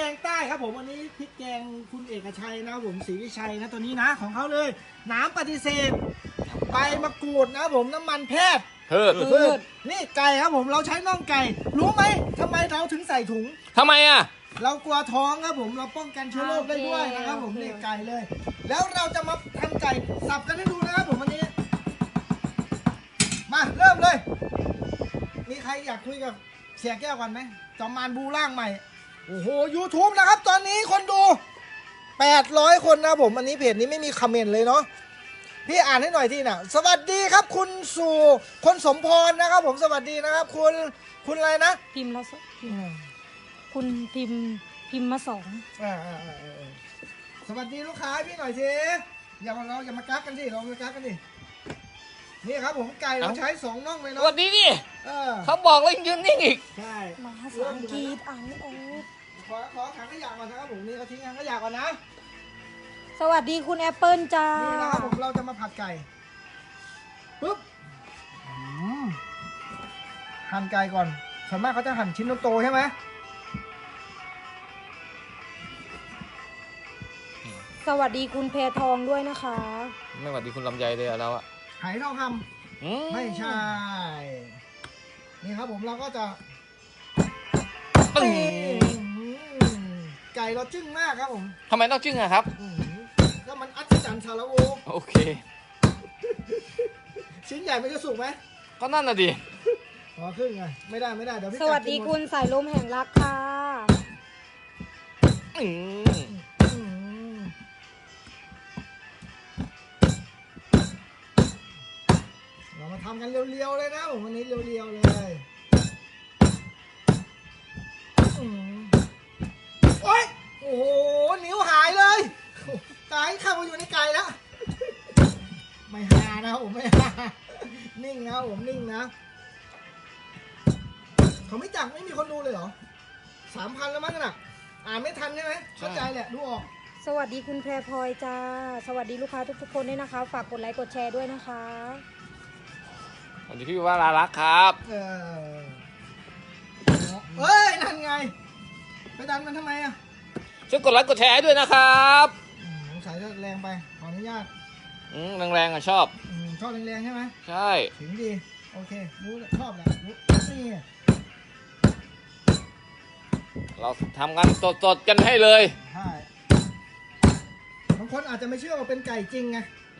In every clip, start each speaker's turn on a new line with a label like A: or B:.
A: งใต้ครับผมวันนี้พริกแกงคุณเอกชัยนะครับผมศรีวิชัยนะตัวนี้นะของเขาเลยน้ำปฏิเสธใบมะกรูดนะครับผมน้ำมันแพทย์พืชนี่ไก่ครับผมเราใช้น่องไก่รู้ไหมทำไมเราถึงใส่ถุง
B: ทำไมอ่ะ
A: เรากลัวท้องครับผมเราป้องกันเชื้อโรคได้ด้วยนะครับผมนี่ไก่เลยแล้วเราจะมาทำไก่สับกันให้ดูนะครับผมวันนี้มาเริ่มเลยมีใครอยากคุยกับเสียแก้วก่อนไหมจอมมารบูร่างใหม่โอ้โห YouTube นะครับตอนนี้คนดู800 คนนะผมอันนี้เพจนี้ไม่มีคอมเมนต์เลยเนาะพี่อ่านให้หน่อยที่น่ะสวัสดีครับคุณสู่คนสมพรนะครับผมสวัสดีนะครับคุณอะไรนะ
C: พิมพ์ละคุณพิมพ์มา2
A: สวัสดีลูกค้าพี่หน่อยสิอย่ามากักกันสิเรามากักกันดินี่ครับผมไก่เราใช้2น่องเลยเนาะ
B: สวัสดีดิเขาบอกแล้วยืนนิ่งอีก
A: ใช่
C: มาภาษาอังกฤษอ่านไม่ออก
A: ขอถังขยะก่อนนะครับผมนี่เขาทิ้งถังขยะก่อนนะ
C: สวัสดีคุณแอปเปิลจ้า
A: นี่นะครับผมเราจะมาผัดไก่ปุ๊บหั่นไก่ก่อนส่วนมากเขาจะหั่นชิ้นโตๆใช่ไหม
C: สวัสดีคุณเพทองด้วยนะคะ
B: ไม่สวัสดีคุณลำไยเลยเราอะ
A: ไหทองคำไม่ใช่นี่ครับผมเราก็จะไก่เราจึ้งมากครับผม
B: ทำไมต้องจึ้งอะครับ
A: ก็มันอัศจรรย์ชาละโว
B: โอเค
A: ชิ้นใหญ่มันจะสุกไหม
B: ก็นั่นน่ะดิ
A: ขอครึ่งไงไม่ได้เดี๋ยวพี่
C: สวัสดีคุณสายลมแห่งรักค่ะ
A: เรามาทำกันเรียวๆเลยนะผมวันนี้เรียวๆเลยโอ๊ยโอ้โหนิ้วหายเลยตายเข้ามาอยู่ในไก่แล้วไม่หานะผมไม่หานิ่งนะผมนิ่งนะเขาไม่จักไม่มีคนดูเลยเหรอ3,000แล้วมั้งน่ะอ่านไม่ทันใช่ไหมเข้าใจแหละดูออก
C: สวัสดีคุณแพรพลอยจ้าสวัสดีลูกค้าทุกๆคนด้วยนะคะฝากกดไลค์กดแชร์ด้วยนะคะ
B: สวัสดีพี่ว่าลารักครับ
A: เฮ้ยนั่นไงไปดันมันทำไมอ่ะ
B: ช่วยกดไลค์กดแชร์ด้วยนะครับ
A: สงสัยจะแรงไปขออนุญาต
B: แรงๆอ่ะชอบ
A: แรงใช่ไหม
B: ใช่
A: ถึงดีโอเครู้ชอบแหละรู้นี่
B: เราทำกันสดๆกันให้เลย
A: ใช่บางคนอาจจะไม่เชื่อว่าเป็นไก่จริงไง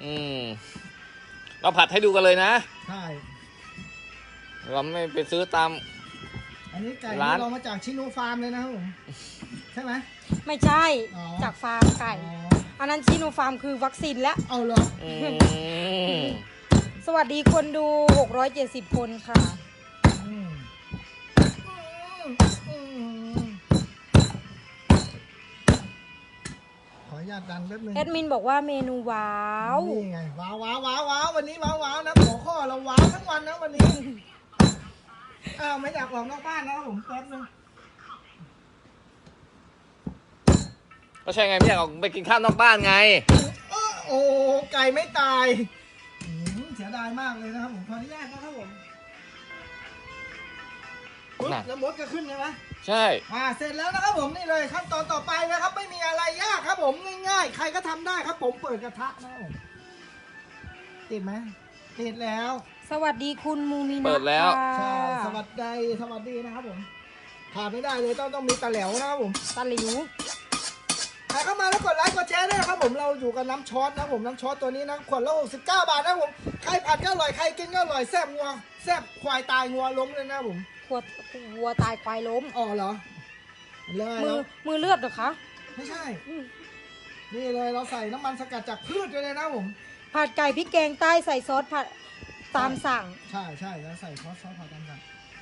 B: เราผัดให้ดูกันเลยนะ
A: ใช่
B: เราไม่ไปซื้อตาม
A: อันนี้ไก่ที่เรามาจากชิโนฟาร์มเลยนะครับผมใช่ไหม
C: ไม่ใช่จากฟาร์มไก่อันนั้นชิโนฟาร์มคือวัคซีนแล้ว
A: เอาเหรอ
C: สวัสดีคนดู670 คนค่ะ
A: ขออนุญาตดันแป๊บนึง
C: แอดมินบอกว่าเมนูว้าว
A: นี่ไงว้าววันนี้ว้าวนะหัวข้อเราว้าวทั้งวันนะวันนี้ไม่อยากออกนอกบ้านนะครับผมแป๊บนึง
B: ก็ใช่ไงไม่อยากออกไปกินข้าวนอกบ้านไง
A: โอ้ไก่ไม่ตายเสียดายมากเลยนะครับผมขออนุญาตนะครับผมแล้วมดก็ขึ้นใช่ไหม
B: ใช่
A: เสร็จแล้วนะครับผมนี่เลยขั้นตอนต่อไปนะครับไม่มีอะไรยากครับผมง่ายๆใครก็ทำได้ครับผมเปิดกระทะนะผมติดไหมติดแล้ว
C: สวัสดีคุณมูมินะ
B: เปิดแล้ว
A: ใช่สวัสดีนะครับผมขาดไม่ได้เลยต้องมีตะแหลวนะครับผม
C: ตะหลิว
A: ใครเข้ามาแล้วกดไลค์กดแชร์ด้วยนะครับผมเราอยู่กับน้ำช็อตนะผมน้ำช็อตตัวนี้นะขวดละ69 บาทนะผมใครผัดก็อร่อยใครกินก็อร่อยแซ่บงัวแซ่บควายตายงัวล้มเลยนะผม
C: วัวตายควายล้ม
A: อ๋อเหรอเลย
C: มือเลือดเหรอคะ
A: ไม่ใช่นี่เลยเราใส่น้ำมันสกัดจากพืชด้วยนะผม
C: ผัดไก่พริกแกงใต้ใส่ซอสผัดตามสั่ง
A: ใช่แล้วใส่ซอสผัดตามสั่ง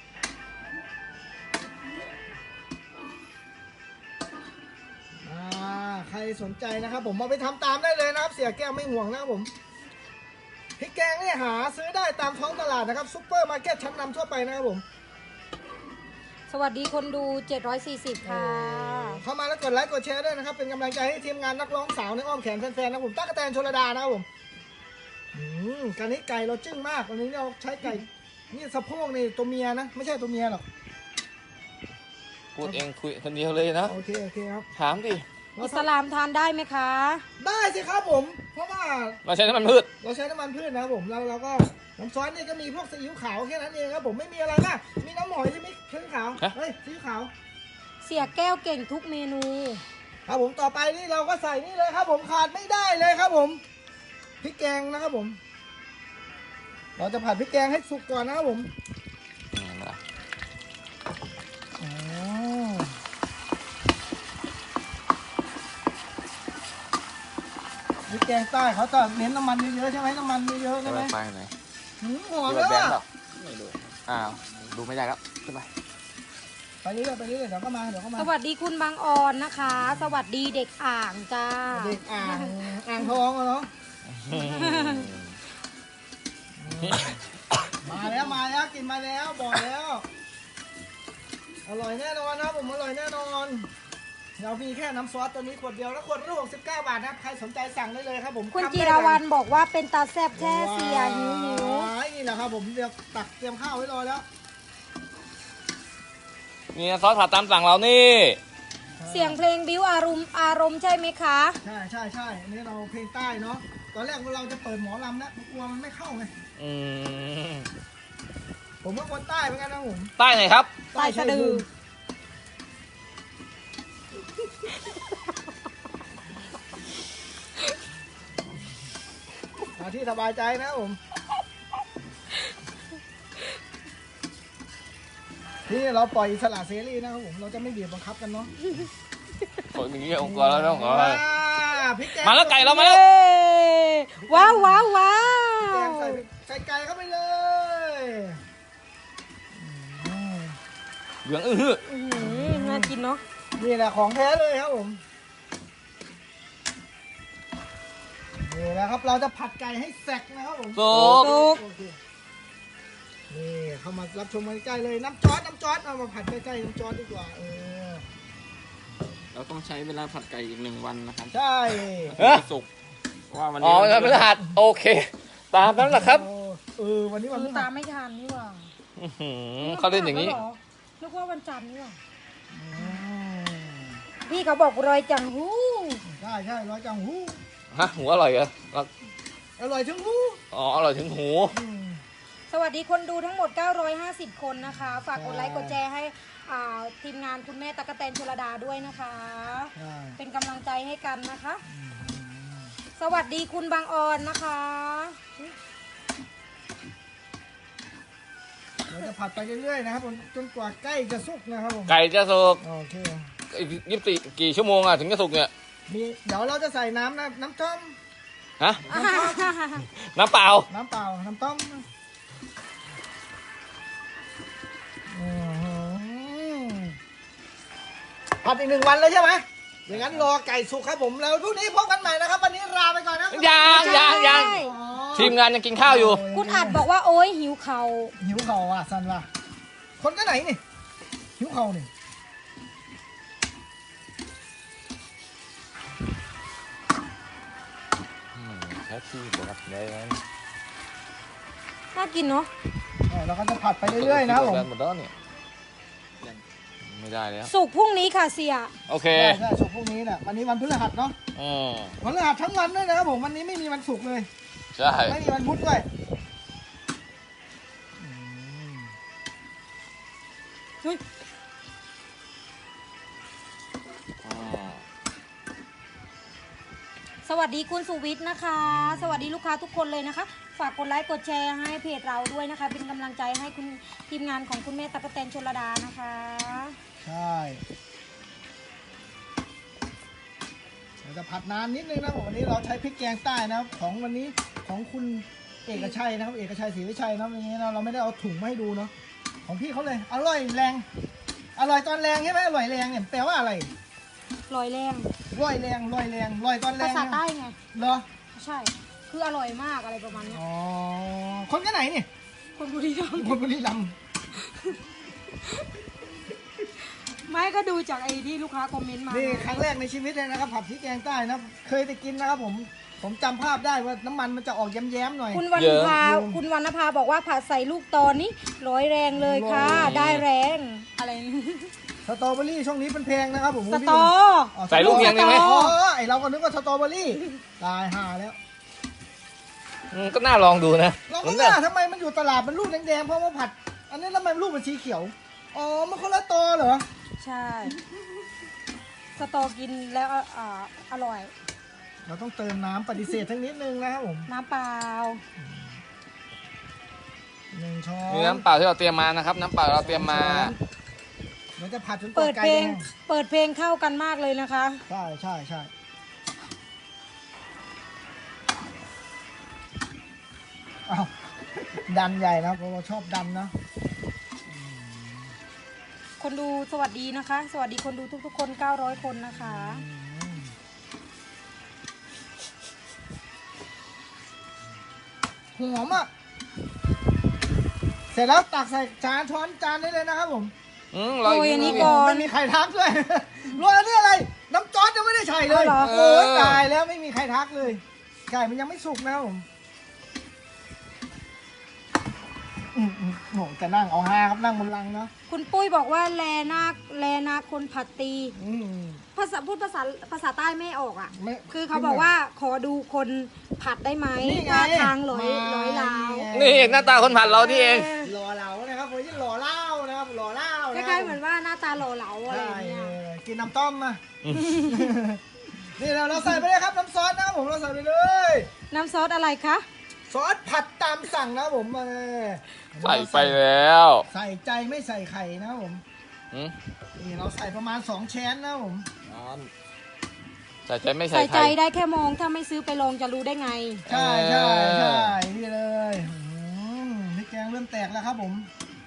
A: ใครสนใจนะครับผมมาไปทำตามได้เลยนะครับเสียแก้วไม่ห่วงนะครับผมพริกแกงนี่หาซื้อได้ตามท้องตลาดนะครับซุปเปอร์มาร์เก็ตชั้นนำทั่วไปนะครับผม
C: สวัสดีคนดู740ค่ะ
A: เข้ามาแล้วกดไลค์กดแชร์ด้วยนะครับเป็นกำลังใจให้ทีมงานนักร้องสาวในอ้อมแขนแฟนๆนะผมตั๊กแตนชลดานะครับผมการนี้ไก่เราจึ้งมากวันนี้เราใช้ไก่นี่สะโพกนี่ตัวเมียนะไม่ใช่ตัวเมียหรอก
B: พูดเองคุยคนเดียวเลยนะ
A: โอเคโอเคครับ
B: ถามดิ
C: อิสลามทานได้ไหมคะ
A: ได้สิครับผม เพราะว่า
B: เราใช้น้ำมันพืช
A: เราใช้น้ำมันพืชนะครับผมเราก็น้ำซอสเนี่ยก็มีพวกซีอิ๊วขาวแค่นั้นเองครับผมไม่มีอะไรมากมีน้ำหอยที่มีซีอิ๊วขาวเฮ้ยซีอิ๊วขาว
C: เสียแก้วเก่งทุกเมนู
A: ครับผมต่อไปนี่เราก็ใส่นี่เลยครับผมขาดไม่ได้เลยครับผมพริกแกงนะครับผม เราจะผัดพริกแกงให้สุกก่อนนะครับผมอ๋อพริกแกงใต้เขาจะเน้นน้ำมันเยอะๆใช่ไหมน้ำมันเยอะๆใช่ไหม
B: ไปไหน
A: หอม
B: ดู
A: แล้ว
B: แบง
A: อะ
B: ค์เปล่าไม่ดูอ้าวดูไม่ได้แล้วขึ้นไป
A: ไปเรื่อยๆไปเรื่อยๆเดี๋ยวก็มาเดี๋ยวก็มา
C: สวัสดีคุณบางออนนะคะ สวัสดีเด็กอ่างจ้า
A: เด็กอ่างทองอะเนาะมาแล้วกินมาแล้วบอกแล้วอร่อยแน่นอนนะผมอร่อยแน่นอนเรามีแค่น้ำซอสตัวนี้ขวดเดียวแล้วขวดละ69 บาทนะครับใครสนใจสั่งได้เลยครับผม
C: คุณ
A: ทำ
C: จิ
A: ได้
C: ร
A: เลย
C: วรรณบอกว่าเป็นตาแซบแช่เสียหิว
A: นี่แหละครับผมเดี๋ยวตักเตรียมข้าวไว้รอแล้ว
B: นี่ซอสผัดตามสั่งเรานี่
C: เสียงเพลงบิ้วอารมณ์ใช่ไหมคะ
A: ใช่อันนี้เราเพลงใต้เนาะตอนแรกเราจะเปิดหมอลำนะกลัวมันไม่เข้าไง
B: อืม
A: ผมก็คนใต้เหมือนกันนะผม
B: ใต้ไหนครับ
C: ใต้สะดือ
A: ที่สบายใจนะผมที่เราปล่อยอิสระเสรีนะครับผมเราจะไม่บีบบังคับกันเนาะ
B: คนอย่างนี้องค์กรแล้วต้องขออะไร
A: พริกแกง
B: มาแล้วไก่เรามาแล้ว
C: ว้าวว้าวว้า
A: แกง
C: ว
A: ใส่ไก่เข้าไปเลย
B: เหลืองอื้อหือ
C: น่ากินเนาะ
A: นี่แหละของแท้เลยครับผมนี่แหละครับเราจะผัดไก่ให้แสกนะครับผม
B: สุก
A: โอเคนี่เข้ามารับชมกันใกล้เลยน้ำจอดเอามาผัดใกล้ๆน้ำจอดดีกว่า
D: เราต้องใช้เวลาผัดไก่อีก1 วันนะครับ
A: ใช่
D: สุกว่าวัน
B: อ๋อ
D: นี้
B: วันพฤหัสโอเค ตามนั้นแหละครับ
A: วันนี้วันพฤ
C: ตา
A: หัส
C: ไม่ทันนี่หว่า
B: อื้อหือเขาเล่นอย่างนี้
C: นี้นึกว่าวันจันทร์นี่หว่าพี่เขาบอกรอยจังหู้
A: ใช่ร้อยจังหู
B: ฮะหูอร่อยเหรอ
A: อร่อยจังหู
B: อ๋ออร่อยถึงหู
C: สวัสดีคนดูทั้งหมด 950 คนนะคะ ฝากกดไลค์กดแชร์ให้ทีมงานคุณแม่ตั๊กแตนชลดาด้วยนะคะ เป็นกำลังใจให้กันนะคะ สวัสดีคุณบางออนนะคะ
A: เราจะผัดไปเรื่อยๆนะครับจนกว่าใกล้จะสุกนะครับผม
B: ไก่จะสุก
A: โอเค
B: 24กี่ชั่วโมงอะถึงจะสุกเนี่ย
A: เดี๋ยวเราจะใส่น้ำต้ม
B: ฮะ น้ำเปล่า
A: น้ำเปล่าน้ำต้มผัดอีก1 วันเลยใช่ไหมอย่างนั้นรอไก่สุกครับผมแล้วพรุ่งนี้พบกันใหม่นะครับวันนี้ลาไปก่อนนะ
B: ยังทีมงานยังกินข้าวอยู่
C: คุณอัดบอกว่าโอ๊ยหิวเขา
A: หิวเข่าอ่ะสันว่ะคนก็ไหนนี่หิวเข่านี่
B: แค่ที่เดี๋ยวรับได้ไหม
C: น่ากินเนาะ
A: เราก็จะผัดไปเรื่อยๆนะครับผม
B: หมดแล้วเนี่ยไม่ได้แล้ว
C: สุกพรุ่งนี้ค่ะเสีย
B: โอเค
A: ใช่สุกพรุ่งนี้เนี่ยวันนี้วันพฤหัสเนาะ
B: อืม
A: วันพฤหัสทั้งวันด้วยนะครับผมวันนี้ไม่มีวันศุกร์เลย
B: ใช่
A: ไม่มีวันพุธด้วย
C: เฮ้ย สวัสดีคุณสุวิทย์นะคะ สวัสดีลูกค้าทุกคนเลยนะคะ ฝากกดไลค์กดแชร์ให้เพจเราด้วยนะคะ เป็นกำลังใจให้คุณทีมงานของคุณแม่ตั๊กแตนชลดานะคะ
A: ใช่เราจะผัดนานนิดนึงนะผมวันนี้เราใช้พริกแกงใต้นะครับของวันนี้ของคุณเอกชัยนะครับเอกชัยศรีวิชัยนะวันนี้เราไม่ได้เอาถุงมาให้ดูเนาะของพี่เขาเลยอร่อยแรงอร่อยตอนแรงใช่ไหมอร่อยแรงเนี่ยแปลว่าอะไร
C: ลอยแรง
A: ร่อยแรงร่อยตอนแร
C: ภาง ษาใต้ไง
A: เหรอ
C: ใช่ คืออร่อยมากอะไรประมาณเนี้ย
A: อ๋อคนก็ไหนนี่
C: คนบุรีรัมย์
A: คนบุรีรัมย์
C: ไม่ก็ดูจากไอ้ที่ลูกค้าคอมเมนต์มา
A: นี่ครั้งแรกในชีวิตเลยนะครับผัดพริกแกงใต้นะเคยไปกินนะครับผมจำภาพได้ว่าน้ำมันมันจะออกแย้มๆหน่อย
C: คุณวรรณภาคุณวรรณภาบอกว่าผัดใส่ลูกตอนนี้ร้อยแรงเลยค่ะ
A: ร้อย
C: ได้แรงอะไร
A: สตรอเบอรี่ช่วงนี้เป็นแพงนะครับผม
C: สตอ
A: อ๋อ
B: ใส่ลูกเนียงได้ไหม
A: อ๋อไอเราก็นึกว่าสตรอเบอรี่ตายห่าแล้ว
B: ก็น่าลองดูนะ
A: เราก็ว่าทำไมมันอยู่ตลาดมันลูกแดงๆเพราะว่าผัด อันนี้แล้วมันลูกมันสีเขียวอ๋อมันคนละตอเหรอ
C: ใช่ สตอกินแล้วอร่อย
A: เราต้องเติมน้ำปฏิเสธทั้งนิดนึงนะครับผม
C: น้ำเปล่า
A: 1 ช้อน
B: มีน้ำเปล่าที่เราเตรียมมานะครับ น้ำเปล่าเราเตรียมมา
A: เดี๋ยวจะผัดจน
C: เปิด
A: ไก่
C: เพล
A: แด
C: ง
A: ง
C: เปิดเพลงเข้ากันมากเลยนะคะ
A: ใช่ใช่ใช่อ้าวดันใหญ่นะเพราะเราชอบดันนะ
C: คนดูสวัสดีนะคะ สวัสดีคนดูทุกๆคน 900 คนนะคะ
A: หอมอ่ะ เสร็จแล้วตักใส่จานช้อนจานได้เลยนะครับผม
B: รออีก
C: โอ้ยอันนี้
B: ด
C: ก่อน
A: ไม่มีใครทักด้วย โรยอันนี้อะไร น้ำจอดยังไม่ได้ใส่เลย
C: เอาเหรอ
A: โอ้ยตายแล้วไม่มีใครทักเลยไก่มันยังไม่สุกนะครับผมโหจะนั่งเอาฮาครับนั่งบนลังเนาะ
C: คุณปุ้ยบอกว่าแลนาคนผัดตี
A: อืม
C: พูดภาษาใต้ไม่ออกอ่ะ
A: ไม่
C: คือเขาบอกว่าขอดูคนผัดได้ไหม
A: นี่ไง
C: ท่าทางร้อย
A: มา
C: ลาว
B: นี่เองหน้าตาคนผัดเราที่เอง
A: หล่อเหลานะครับผมที่หล่อเล่านะครับหล่อเล่า
C: ค
A: นะค
C: ล้า
A: รับ
C: ยๆเหมือนว่าหน้าตาหล่อเหลาอะไร
A: ใช่
C: อย่างเงี้ย
A: กินน้ำต้มมา นี่เราใส่ไปเลยครับน้ำซอสนะครับผมเราใส่ไปเลย
C: น้ำซอสอะไรคะ
A: ซอสผัดตามสั่งนะครับผม
B: ใส่ไปแล้ว
A: ใส่ใจไม่ใส่ไข่นะครับผม
B: อืม
A: นี่เราใส่ประมาณ2 แชนนะครับผม
B: ใส่ใจไม่
C: ใส่
B: ใส่
C: ใจ
B: ไข่
C: ได้แค่มองถ้าไม่ซื้อไปลองจะรู้ได้ไง
A: ใช่ใช่ใช่นี่เลยพริกแกงเริ่มแตกแล้วครับผม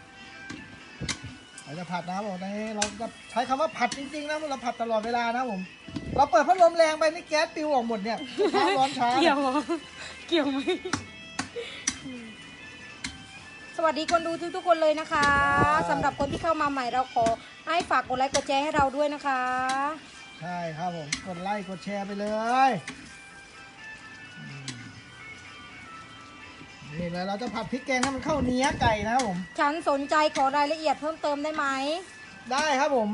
A: เราจะผัดนะครับผมนี่เราจะใช้คำว่าผัดจริงๆนะเราผัดตลอดเวลานะครับผม เราเปิดพัดลมแรงไปนี่แก๊สปิวออกหมดเนี่ยช้าร้อนช้า
C: เกี่ยวเหรอเกี่ยวไหมสวัสดีคนดูทุกๆคนเลยนะคะสำหรับคนที่เข้ามาใหม่เราขอให้ฝากกดไลค์กดแชร์ให้เราด้วยนะคะ
A: ใช่ครับผมกดไลค์กดแชร์ไปเลยนี่เลยเราจะผัดพริกแกงให้มันเข้าเนื้อไก่นะครับผม
C: ฉันสนใจขอรายละเอียดเพิ่มเติมได้ไหม
A: ได้ครับผม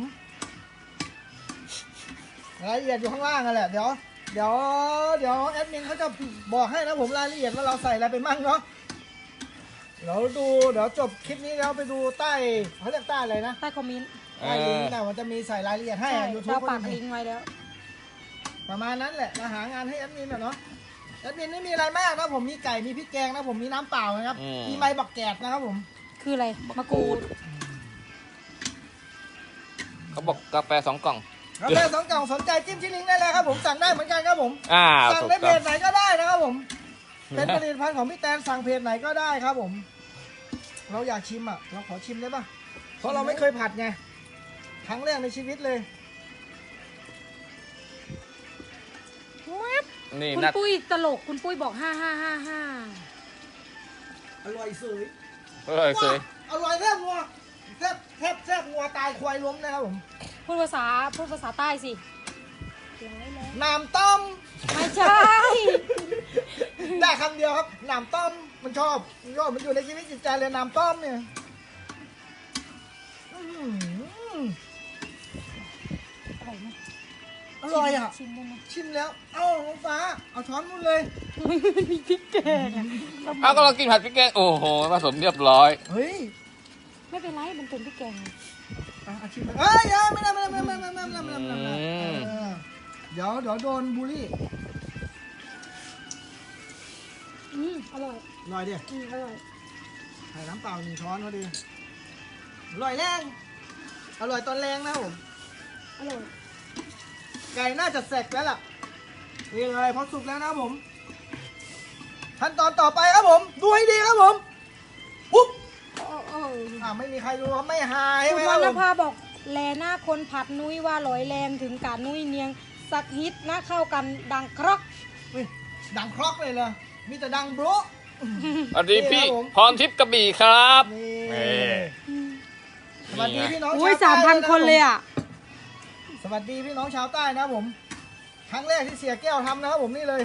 A: รายละเอียดอยู่ข้างล่างนั่นแหละเดี๋ยวแอดมินเขาจะบอกให้นะผมรายละเอียดว่าเราใส่อะไรไปมั่งเนาะเดี๋ยวจบคลิปนี้แล้วไปดูใต้เขาเรียกใต้อะไรนะ
C: ใต้คอมเมนต์
A: ใต้ลิงก์นะมันจะมีใส่รายละเอียดให้
C: ใช่
A: ยูทู
C: เรา
A: บ
C: ปักลิงก์ไว้แล้ว
A: ประมาณนั้นแหละเราหางานให้แอดมินเนาะแอดมินไม่มีอะไรมากนะผมมีไก่มีพริกแกงนะผมมีน้ำเปล่านะครับมีใบบักแกดนะครับผม
C: คืออะไรมะกรูด
B: เขาบอกกาแฟ2 กล่อง
A: กาแฟ2 กล่องสนใจจิ้มที่ลิงก์ได้เลยครับผมสั่งได้เหมือนกันครับผม สั่ง
B: ถูก
A: ในเพ
B: ต้อง
A: จไหนก็ได้นะครับผม เป็นผลิตภัณฑ์ของพี่แตนสั่งเพจไหนก็ได้ครับผม เราอยากชิมอ่ะ เราขอชิมได้ปะเพราะเราไม่เคยผัดไง ครั้งแรกในชีวิตเลย
B: นี่
C: คุณ
B: นัด
C: ปุ้ยตลกคุณปุ้ยบอก5555
A: อร่อยสวย
B: สวย
A: อร่อยแทบงัวแทบงัวตายควายล้มนะครับผม
C: พูดภาษาใต้สิ
A: น้ำต้ม
C: ไม่ใช่
A: ได้คำเดียวครับน้ำต้มมันชอบมันอยู่ในชีวิตจิตใจเลยน้ำต้มเนี่ยอื้อหือ
C: อร่อยไหม
A: อร่อยอ่ะ
C: ชิมได้ไหม
A: ชิมแล้ว เอ้าน้องฟ้า เอาช้อนมุนเลย
C: มันมีพริกแกงอะ
B: เอาก็เรากินผัดพริกแกงโอ้โหผสมเรียบร้อย
A: เฮ้ย
C: ไม่เป็นไรมันเป็นพริกแกง
A: เอาชิมไปเอ้ยไม่ได้เดี๋ยวโดนบูลลี่
C: อร่อย
A: อร่อยดิ
C: อร่อย
A: ใส่น้ำเปล่า1 ช้อนพอดีอร่อยแรงอร่อยตอนแรงนะผม
C: อร่อย
A: ไก่น่าจะแสกแล้วล่ะนี่เลยพอสุกแล้วนะผมขั้นตอนต่อไปครับผมดูให้ดีครับผมปุ๊บไม่มีใครดูครับไม่หาย
C: คุ
A: ไหม
C: ณ
A: คว รั
C: ร
A: บ
C: ร
A: ผม
C: ณภาบอกแลหน้าคนผัดนุ้ยว่าร้อยแรงถึงการนุ้ยเนียงสักฮิตนะเข้ากันดังครอก
A: นี่ดังครอกเลยเหรอมีแต่ดังโบร
B: สวัสดีพี่
A: นี่ครับผม
B: พรทิพย์กระบี่ครับ
A: นี่
B: นี่
A: สวัสดีพี่น้อง
C: อุ้ย
A: ชาวใต้
C: 3,000 คนเลยอ่ะ
A: สวัสดีพี่น้องชาวใต้นะครับผม ครั้งแรกที่เสียแก้วทำนะครับผมนี่เลย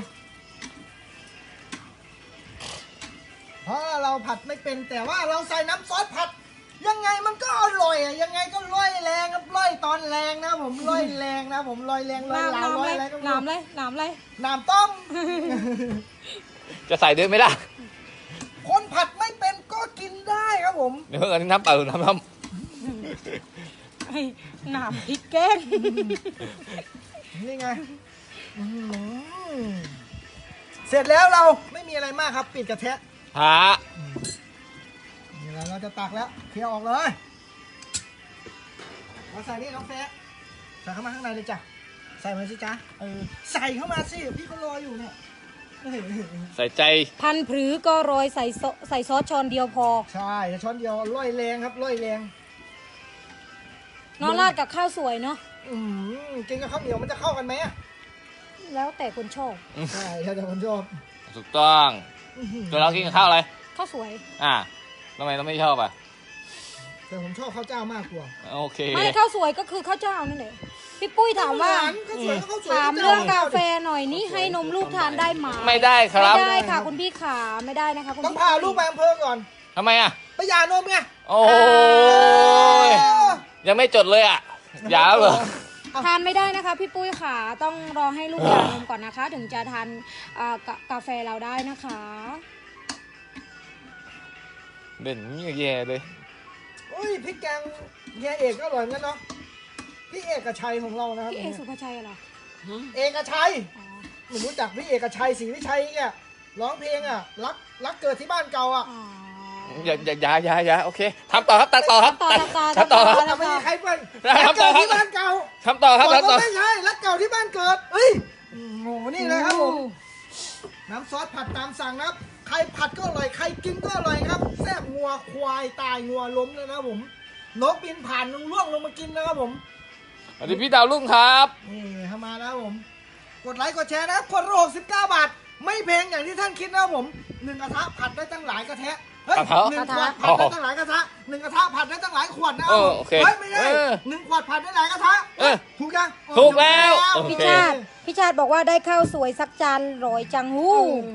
A: เพราะเราผัดไม่เป็นแต่ว่าเราใส่น้ำซอสผัด ยังไงมันก็อร่อยอ่ะยังไงก็ร่อยแรงครับร่อยอนแรงนะผมลอยแรงนะผมลอยแรงลอยลาวลอยอะไรก็ไม่
C: น้ำ
A: รู้
C: เลยน้ำเลย
A: น้ำต้ม
B: จะใส่ด้วยไหมล่ะ
A: คนผัดไม่เป็นก็กินได้ครับผม
B: เดี๋ยวอันนี้น้ำเปล่าหรือน้ำ
C: ไอ้น้ำพริกแกง
A: นี่ไงอื้อหือเสร็จแล้วเราไม่มีอะไรมากครับปิดกระทะ
B: หา
A: นี่แหละเราจะตักแล้วเคลียร์ออกเลยเราใส่นี่น้องแฟะใส่เข้ามาข้างในเลยจ้ะใส่มาสิจ๊ะใส่เข้ามาสิพี่ก็รออยู่เนี่ย
B: ใส่ใจ
C: พันผือก็โรยใส่ซอสช้อนเดียวพอ
A: ใช่แต่ช้อนเดียวร่อยแรงครับร่อยแรง
C: น้องราดกับข้าวสวยเนาะ
A: กินกับข้าวเหนียวมันจะเข้ากันไหมอะ
C: แล้วแต่คนชอบ
A: ใช่แล้วแต่คนชอบ
B: ถูกต้อง
A: อื้อหือ
B: ตัวเรากินกับข้าวอะไร
C: ข้าวสวย
B: ทำไมเราไม่ชอบอ่ะ
A: แต่ผมชอบข้าวเจ้ามากกว่า
B: โอเค
C: ไม่ข้าวสวยก็คือข้าวเจ้านั่นเองพี่ปุ้ยถามว่า
A: ข้าวสวยก็ข้าวสวย
C: ถามเรื่องกาแฟหน่อยนี่ให้นมลูกทานได้ไหม
B: ไม่ได้ครับ
C: ไม่ได้ค่ะคุณพี่ขาไม่ได้นะคะคุณ
A: ต้อง
C: พี่
A: พาลูกไปอำเภอก่อน
B: ทำไมอ่ะ
A: ไปหย่านมไง
B: โอ้ยยังไม่จดเลยอ่ะยาวเหรอ
C: ทานไม่ได้นะคะพี่ปุ้ยขาต้องรอให้ลูกหย่านมก่อนนะคะ ถึงจะทานกาแฟเราได้นะคะ
B: เด่นแย่เลย
A: อุ้ยพริกแกงเฮียเอกก็อร่อยเหมือนกันเนาะพี่เอกชัยของเรานะครับ
C: พี่เอสุภาชัยเหรอ
A: เอกชัย
C: อ๋อ
A: ผมรู้จักพี่เอกชัยศรีวิชัยเนี่ยร้องเพลงอ่ะรักเกิดที่บ้านเก่าอ่ะ
C: อ๋อ
B: อย่าโอเคทำต่อครับตัดต่อครับ
C: ต่อ
B: ทำต่อครับ
A: แต่ไม่มีใครเป็น
B: ได้
A: รัก
B: ครับ
A: เกิดที่บ้านเก่า
B: ทำต่อครับ
A: บอก
B: ทำต่อ
A: ว่าไม่ใช่รักเก่าที่บ้านเกิดเอ้ยโอ้โหนี่เลยครับผมน้ำซอสผัดตามสั่งนะครับใครผัดก็อร่อยใครกินก็อร่อยครับแซ่บงัวควายตายงัวล้มเลยนะครับผมนกบินผ่านล่วงลงมากินนะครับผม
B: สวัสดีพี่ดาวรุ่งครับ
A: นี่เข้ามาแล้วผมกดไลค์กดแชร์นะครับคนละ69 บาท ไม่แพงอย่างที่ท่านคิดนะครับผม1กระทะผัดได้ตั้งหลายกระทะเฮ้ย
B: กระทะ
A: 1 ขวดผัดได้ตั้งหลายกระทะ1กระทะผัดได้ตั้งหลายขวดนะครับผม
B: โอเค
A: เฮ้ยไม่ใช่
B: อ
A: 1 ขวดผัดได้หลายกระทะ ถูกยัง
B: ถูกแล้ว
A: ถู
B: โอ
C: พี่
B: เค
C: ชาติบอกว่าได้ข้าวสวยสักจานร้อยจังหู้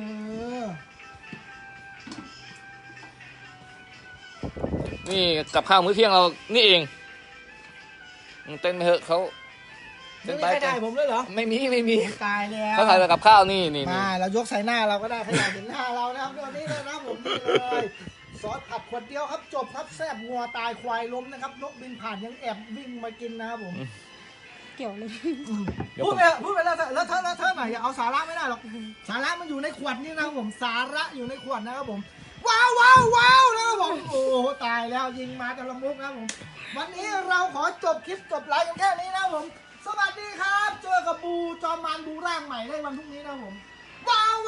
B: นี่กับข้าวมื้อเที่ยงเรานี่เองเต้นไปเถอะเขา
A: ไม่มีใครได้ผมเลยเหรอ
B: ไม่มี
A: ตายแล้ว
B: เขาใส่กับข้าวนี่
A: มาเรายกใส่หน้าเราก็ได้ขยันเห็นหน้าเรานะครับเดี๋ยวนี้เลยนะผมนี่เลยซอสผัดขวดเดียวครับจบครับแซ่บงัวตายควายล้มนะครับนกบินผ่านยังแอบวิ่งมากินนะครับผม
C: เกี่ยวเลย
A: พูดไปแล้วเธอหน่อยอย่าเอาสาระไม่ได้หรอกสาระมันอยู่ในขวดนี่นะครับผมสาระอยู่ในขวดนะครับผมว้าวนะครับผมโอ้โหตายแล้วยิงมาแต่ละมุกนะครับผมวันนี้เราขอจบคลิปจบไลฟ์กันแค่นี้นะครับผมสวัสดีครับเจอกับบูจอมมารบูร่างใหม่ได้วันพรุ่งนี้นะครับผมว้าว